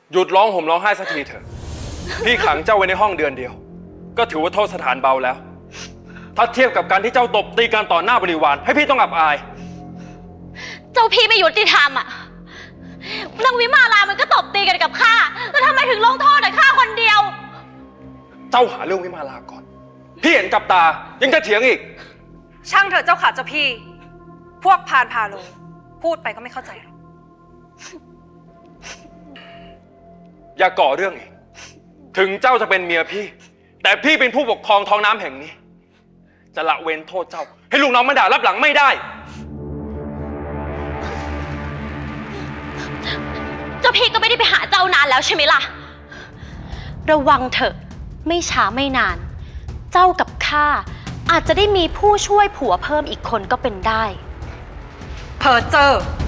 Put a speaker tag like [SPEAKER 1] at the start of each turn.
[SPEAKER 1] หยุดร้องห่มร้องไห้สักทีเถอะ พี่ขังเจ้าไว้ในห้องเดือนเดียว ก็ถือว่าโทษสถานเบาแล้ว ถ้าเทียบกับการที่เจ้าตบตีกันต่อหน้าบริวารให้พี่ต้องอับอาย
[SPEAKER 2] เจ้าพี่ไม่ยุติธรรมอ่ะนางวิมาลามันก็ตบตีกันกับข้าแล้วทำไมถึงลงโทษแต่ข้าคนเดียว
[SPEAKER 1] เจ้าหาเรื่องวิมาลาก่อน พี่เห็นกับตายังจะเถียงอีก
[SPEAKER 3] ช่างเถอะเจ้าขาเจ้าพี่ พวกพานพาโลพูดไปก็ไม่เข้าใจหรอก
[SPEAKER 1] อย่าก่อเรื่องอีก ถึงเจ้าจะเป็นเมียพี่ แต่พี่เป็นผู้ปกครองท้องน้ำแห่งนี้ จะละเว้นโทษเจ้า ให้ลูกน้องมาด่ารับหลังไม่ได้
[SPEAKER 2] เจ้าพี่ก็ไม่ได้ไปหาเจ้านานแล้วใช่ไหมล่ะ ระวังเถอะไม่ช้าไม่นาน เจ้ากับข้าอาจจะได้มีผู้ช่วยผัวเพิ่มอีกคนก็เป็นได้
[SPEAKER 3] เพอเจอร์